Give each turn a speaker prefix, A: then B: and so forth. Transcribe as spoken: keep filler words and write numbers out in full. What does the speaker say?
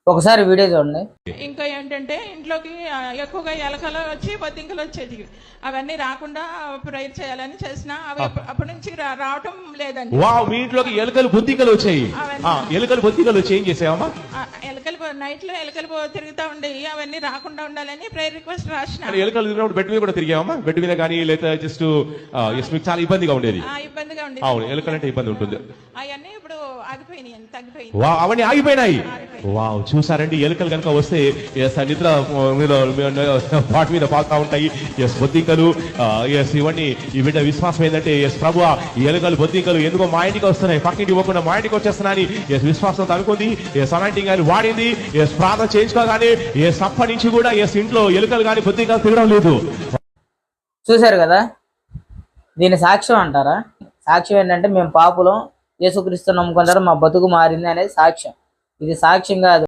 A: ఒకసారి వీడియో చూడండి.
B: ఇంకా ఏంటంటే ఇంట్లోకి ఆ, ఎక్కువగా ఎలకలు వచ్చి బొద్దింకలు వచ్చేది. అవన్నీ రాకుండా ప్రేయర్ చేయాలని చేసిన అవి అప్ప- అప్పటి నుంచి రా- రావటం లేదండి.
C: వావ్, మీ ఇంట్లోకి ఎలుకలు బొద్దింకలు వచ్చాయి.
B: అవన్నీ-
C: ఆ, ఎలుకలు బొద్దింకలు వచ్చి ఏం చేసావమ్మా?
B: ఆ, ఎలకలు నైట్ లో ఎలకలు పో- తిరుగుతూ ఉండేవి. అవన్నీ రాకుండా ఉండాలని ప్రేయర్ రిక్వెస్ట్ రాసిన.
C: అంటే ఎలుకలు తిరిగినప్పుడు బెడ్ మీద కూడా తిరిగావమ్మా? బెడ్ మీద కానీ లేదా జస్ట్ మీకు చాలా ఇబ్బందిగా ఉండేది.
B: ఆ, ఇబ్బందిగా ఉండేది.
C: అవును, ఎలుకలు అంటే ఇబ్బంది ఉంటుంది.
B: అవన్నీ ఇప్పుడు ఆగిపోయినాయి, తగ్గిపోయింది.
C: వా అవన్నీ ఆగిపోయినాయి. వావ్, చూసారండి, ఎలుకలు కనుక వస్తే ఎస్ నిద్ర మీద వాటి మీద పాకుతా ఉంటాయి. ఎస్ బొద్దింకలు, ఎస్ ఇవన్నీ ఈ బిడ్డ విశ్వాసం ఏంటంటే ఎస్ ప్రభు ఈ ఎలుకలు బొద్దింకలు ఎందుకో మా ఇంటికి వస్తున్నాయి, పక్కింటికి పోకుండా మా ఇంటికి వచ్చేస్తున్నాయని ఎస్ విశ్వాసంతో అనుకుంది. ఎస్ అలాంటి కానీ వాడింది. ఎస్ ప్రార్థన చేయించుకోగానే ఎస్ అప్పటి నుంచి కూడా ఎస్ ఇంట్లో ఎలుకలు కానీ బొద్దింకలు తిరగడం లేదు.
A: చూశారు కదా, దీని సాక్ష్యం అంటారా? సాక్ష్యం ఏంటంటే మేము పాపులం, యేసుక్రీస్తు నమ్ముకుంటారు, మా బతుకు మారింది అనేది సాక్ష్యం. ఇది సాక్ష్యం కాదు.